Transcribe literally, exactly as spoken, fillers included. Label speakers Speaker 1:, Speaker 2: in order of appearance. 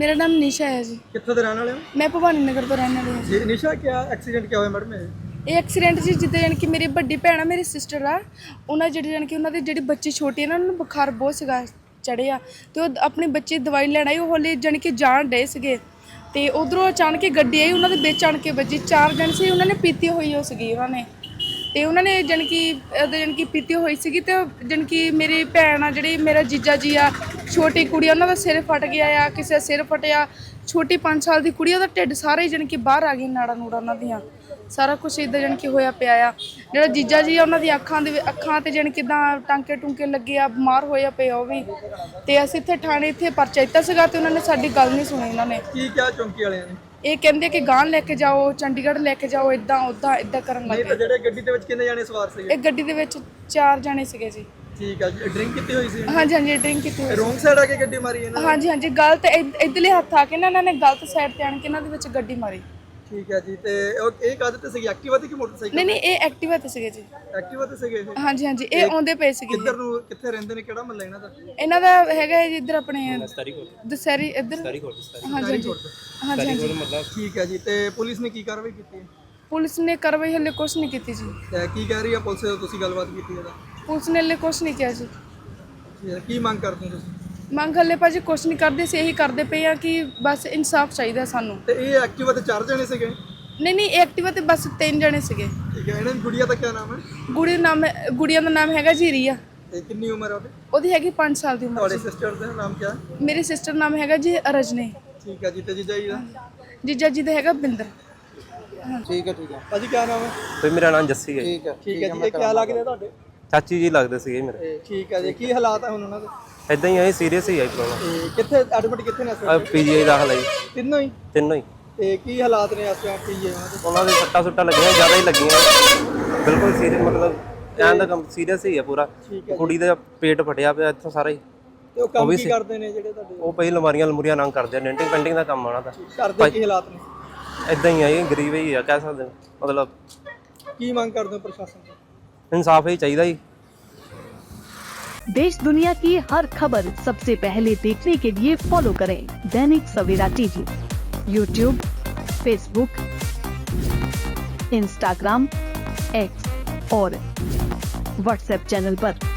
Speaker 1: मेरा नाम निशा है जी।
Speaker 2: कित्थों दे रहने वाले हो?
Speaker 1: मैं भवानी नगर तो रहने वाली हूँ।
Speaker 2: जी निशा, क्या एक्सीडेंट क्या होया मैडम?
Speaker 1: ਇਹ ਐਕਸੀਡੈਂਟ ਜੀ ਜਿੱਦਾਂ ਜਾਣੀ ਕਿ ਮੇਰੀ ਵੱਡੀ ਭੈਣ ਆ, ਮੇਰੀ ਸਿਸਟਰ ਆ, ਉਹਨਾਂ ਜਿਹੜੀ ਜਾਣੀ ਕਿ ਉਹਨਾਂ ਦੀ ਜਿਹੜੀ ਬੱਚੀ ਛੋਟੀ ਹੈ ਨਾ, ਉਹਨਾਂ ਨੂੰ ਬੁਖਾਰ ਬਹੁਤ ਸੀਗਾ ਚੜ੍ਹਿਆ ਅਤੇ ਉਹ ਆਪਣੀ ਬੱਚੀ ਦਵਾਈ ਲੈਣ ਆਈ, ਉਹ ਹਲੇ ਜਾਣੀ ਕਿ ਜਾਣ ਡੇ ਸੀਗੇ ਅਤੇ ਉੱਧਰੋਂ ਅਚਾਨਕ ਹੀ ਗੱਡੀ ਆਈ, ਉਹਨਾਂ ਦੇ ਵਿੱਚ ਆਣ ਕੇ ਵੱਜੀ। ਚਾਰ ਜਣ ਸੀ, ਉਹਨਾਂ ਨੇ ਪੀਤੀ ਹੋਈ ਉਹ ਸੀਗੀ ਉਹਨਾਂ ਨੇ ਅਤੇ ਉਹਨਾਂ ਨੇ ਜਾਣੀ ਕਿ ਉਹਦੇ ਜਾਣੀ ਕਿ ਪੀਤੀ ਹੋਈ ਸੀਗੀ ਅਤੇ ਜਾਣੀ ਕਿ ਮੇਰੀ ਭੈਣ ਆ, ਜਿਹੜੀ ਮੇਰਾ ਜੀਜਾ ਜੀ ਆ, ਛੋਟੀ ਕੁੜੀ, ਉਹਨਾਂ ਦਾ ਸਿਰ ਫਟ ਗਿਆ ਆ, ਕਿਸੇ ਦਾ ਸਿਰ ਫਟਿਆ, ਛੋਟੀ ਪੰਜ ਸਾਲ ਦੀ ਕੁੜੀ, ਉਹਦਾ ਢਿੱਡ ਸਾਰਾ ਹੀ ਜਾਣੀ ਕਿ ਬਾਹਰ ਆ ਗਈ, ਨਾੜਾ ਨੂੜਾ ਉਹਨਾਂ ਦੀਆਂ ਸਾਰਾ ਕੁਛ ਇੱਦਾਂ ਜਾਣੀ ਕਿ ਹੋਇਆ ਪਿਆ ਆ। ਜਿਹੜਾ ਜੀਜਾ ਜੀ ਆ, ਉਹਨਾਂ ਦੀ ਅੱਖਾਂ ਦੇ ਅੱਖਾਂ 'ਤੇ ਜਾਣੀ ਕਿੱਦਾਂ ਟਾਂਕੇ ਟੂੰਕੇ ਲੱਗੇ ਆ, ਬਿਮਾਰ ਹੋਇਆ ਪਿਆ ਉਹ ਵੀ। ਅਤੇ ਅਸੀਂ ਇੱਥੇ ਥਾਣੇ ਇੱਥੇ ਪਰਚਾ ਦਿੱਤਾ ਸੀਗਾ ਅਤੇ ਉਹਨਾਂ ਨੇ ਸਾਡੀ ਗੱਲ ਨਹੀਂ ਸੁਣੀ। ਉਹਨਾਂ ਨੇ
Speaker 2: ਕੀ ਕਿਹਾ ਚੌਂਕੀ ਵਾਲਿਆਂ ਨੇ? ਇਹ
Speaker 1: ਕਹਿੰਦੇ ਕਿ ਗਾਂਹ ਲੈ ਕੇ ਜਾਓ, ਚੰਡੀਗੜ੍ਹ ਲੈ ਕੇ ਜਾਓ, ਇੱਦਾਂ ਉੱਦਾਂ ਇੱਦਾਂ ਕਰਨ ਲੱਗ
Speaker 2: ਗਏ। ਜਿਹੜੇ ਗੱਡੀ ਦੇ ਵਿੱਚ ਕਿੰਨੇ ਜਾਣੇ ਸਵਾਰ ਸੀਗੇ?
Speaker 1: ਇਹ ਗੱਡੀ ਦੇ ਵਿੱਚ ਚਾਰ ਜਾਣੇ ਸੀਗੇ ਜੀ।
Speaker 2: ਠੀਕ ਆ ਜੀ। ਡਰਿੰਕ ਕੀਤੀ ਹੋਈ ਸੀ?
Speaker 1: ਹਾਂਜੀ ਹਾਂਜੀ, ਡਰਿੰਕ ਕੀਤੀ ਹੋਈ।
Speaker 2: ਰੋਂਗ ਸਾਈਡ ਆ ਕੇ ਗੱਡੀ ਮਾਰੀ ਇਹਨਾਂ ਨੇ?
Speaker 1: ਹਾਂਜੀ ਹਾਂਜੀ, ਗਲਤ ਇੱਧਰਲੇ ਹੱਥ ਆ ਕੇ ਨਾ ਇਹਨਾਂ ਨੇ ਗਲਤ ਸਾਈਡ 'ਤੇ ਆਣ ਕੇ ਇਹਨਾਂ ਦੇ ਵਿੱਚ ਗੱਡੀ ਮਾਰੀ।
Speaker 2: ਠੀਕ ਹੈ ਜੀ। ਤੇ ਉਹ ਇਹ ਕਾਹਦੇ ਤੇ ਸੀਗੀ, ਐਕਟਿਵਾ ਤੇ ਕਿ ਮੋਟਰਸਾਈਕਲ?
Speaker 1: ਨਹੀਂ ਨਹੀਂ, ਇਹ ਐਕਟਿਵਾ ਤੇ ਸੀਗੇ ਜੀ।
Speaker 2: ਐਕਟਿਵਾ ਤੇ ਸੀਗੇ ਇਹ?
Speaker 1: ਹਾਂਜੀ ਹਾਂਜੀ, ਇਹ ਆਉਂਦੇ ਪਏ ਸੀਗੇ।
Speaker 2: ਕਿੱਧਰ ਨੂੰ, ਕਿੱਥੇ ਰਹਿੰਦੇ ਨੇ, ਕਿਹੜਾ ਮਹੱਲਾ ਇਹਨਾਂ ਦਾ?
Speaker 1: ਇਹਨਾਂ ਦਾ ਹੈਗਾ ਜੀ ਇੱਧਰ ਆਪਣੇ ਦਸਹਿਰੀ ਇੱਧਰ। ਹਾਂਜੀ ਹਾਂਜੀ ਹਾਂਜੀ ਹਾਂਜੀ।
Speaker 2: ਠੀਕ ਹੈ ਜੀ। ਤੇ ਪੁਲਿਸ ਨੇ ਕੀ ਕਾਰਵਾਈ ਕੀਤੀ ਹੈ?
Speaker 1: ਪੁਲਿਸ ਨੇ ਕਾਰਵਾਈ ਹਲੇ ਕੁਛ ਨਹੀਂ ਕੀਤੀ ਜੀ।
Speaker 2: ਤੇ ਕੀ ਕਹਿ ਰਹੀ ਹੈ ਪੁਲਿਸ? ਤੁਸੀਂ ਗੱਲਬਾਤ ਕੀਤੀ ਇਹਦਾ?
Speaker 1: ਪੁਲਿਸ ਨੇ ਹਲੇ ਕੁਛ ਨਹੀਂ ਕਿਹਾ ਜੀ।
Speaker 2: ਕੀ ਮੰਗ ਕਰਦੇ ਹੋ ਤੁਸੀਂ?
Speaker 1: ਮੰਗ ਹਲੇ ਭਾਜੀ ਕੁਛ ਨਹੀਂ ਕਰਦੇ ਸੀ, ਇਹੀ ਕਰਦੇ ਪਏ ਆ ਕਿ ਬਸ ਇਨਸਾਫ ਚਾਹੀਦਾ ਸਾਨੂੰ।
Speaker 2: ਤੇ ਇਹ ਐਕਟਿਵਾ ਤੇ ਚਾਰ ਜਣੇ ਸੀਗੇ?
Speaker 1: ਨਹੀਂ ਨਹੀਂ, ਐਕਟਿਵਾ ਤੇ ਬਸ ਤਿੰਨ ਜਣੇ ਸੀਗੇ।
Speaker 2: ਠੀਕ ਹੈ। ਇਹਨਾਂ ਦੀ ਗੁੜੀਆ ਦਾ ਕੀ ਨਾਮ ਹੈ?
Speaker 1: ਗੁੜੀ ਨਾਮ ਗੁੜੀਆ ਦਾ ਨਾਮ ਹੈਗਾ ਜੀ ਰੀਆ।
Speaker 2: ਤੇ ਕਿੰਨੀ ਉਮਰ ਹੈ ਉਹਦੀ?
Speaker 1: ਉਹਦੀ ਹੈਗੀ ਪੰਜ ਸਾਲ ਦੀ ਉਮਰ।
Speaker 2: ਤੁਹਾਡੇ ਸਿਸਟਰ ਦਾ ਨਾਮ ਕੀ ਹੈ?
Speaker 1: ਮੇਰੀ ਸਿਸਟਰ ਨਾਮ ਹੈਗਾ ਜੀ ਰਜਨੀ।
Speaker 2: ਠੀਕ ਹੈ ਜੀ। ਤੇ ਜੀਜਾ ਜੀ ਦਾ?
Speaker 1: ਜੀਜਾ ਜੀ ਦਾ ਹੈਗਾ ਬਿੰਦਰ।
Speaker 2: ਠੀਕ ਹੈ ਠੀਕ ਹੈ। ਭਾਜੀ ਕੀ ਨਾਮ ਹੈ?
Speaker 3: ਤੇ ਮੇਰਾ ਨਾਮ ਜੱਸੀ ਹੈ।
Speaker 2: ਠੀਕ ਹੈ ਠੀਕ ਹੈ ਜੀ। ਇਹ ਕੀ ਲੱਗਦੇ ਤੁਹਾਡੇ?
Speaker 3: ਚਾਚੀ ਜੀ ਲੱਗਦੇ ਸੀਗੇ ਮੇਰੇ।
Speaker 2: ਠੀਕ ਹੈ ਜੀ। ਕੀ ਹਾਲਾਤ ਹੈ ਹੁਣ ਉਹਨਾਂ ਦੇ?
Speaker 3: ਇਦਾਂ ਹੀ ਆਏ, ਸੀਰੀਅਸ ਹੀ ਆਈ ਪ੍ਰੋਬਲਮ।
Speaker 2: ਤੇ ਕਿੱਥੇ ਐਡਮਿਟ ਕਿੱਥੇ ਨੇ ਇਸ
Speaker 3: ਆ
Speaker 2: ਵੇਲੇ?
Speaker 3: ਪੀਜੀਆਈ ਦਾਖਲ ਆਈ
Speaker 2: ਤਿੰਨੋਂ ਹੀ?
Speaker 3: ਤਿੰਨੋਂ ਹੀ।
Speaker 2: ਤੇ ਕੀ ਹਾਲਾਤ ਨੇ ਇਸ ਵੇਲੇ ਪੀਜੀਆਈ ਉਹਨਾਂ ਦੇ?
Speaker 3: ਉਹਨਾਂ ਦੇ ਸੱਟਾਂ ਸੁੱਟਾਂ ਲੱਗੀਆਂ, ਜ਼ਿਆਦਾ ਹੀ ਲੱਗੀਆਂ, ਬਿਲਕੁਲ ਸੀਰੀਅਸ, ਮਤਲਬ ਐਂ ਦਾ ਕੰਮ ਸੀਰੀਅਸ ਹੀ ਆ ਪੂਰਾ। ਕੁੜੀ ਦਾ ਪੇਟ ਫਟਿਆ ਪਿਆ ਇੱਥੋਂ ਸਾਰਾ ਹੀ।
Speaker 2: ਤੇ ਉਹ ਕੰਮ ਕੀ ਕਰਦੇ ਨੇ ਜਿਹੜੇ ਤੁਹਾਡੇ?
Speaker 3: ਉਹ ਪਈ ਲਮਾਰੀਆਂ ਲਮੂਰੀਆਂ ਨੰਗ ਕਰਦੇ ਆ, ਡੈਂਟਿੰਗ ਪੈਂਟਿੰਗ ਦਾ ਕੰਮ ਆਉਣਾ ਤਾਂ।
Speaker 2: ਕਰਦੇ ਕੀ ਹਾਲਾਤ ਨੇ?
Speaker 3: ਇਦਾਂ ਹੀ ਆਈ, ਗਰੀਬ ਹੀ ਆ ਕਹਿ ਸਕਦੇ, ਮਤਲਬ
Speaker 2: ਕੀ ਮੰਗ ਕਰਦੇ ਹੋ ਪ੍ਰਸ਼ਾਸਨ ਤੋਂ?
Speaker 3: ਇਨਸਾਫ ਹੀ ਚਾਹੀਦਾ ਜੀ।
Speaker 4: देश दुनिया की हर खबर सबसे पहले देखने के लिए फॉलो करें Dainik Savera TV, YouTube, Facebook, Instagram, X और व्हाट्सएप चैनल पर।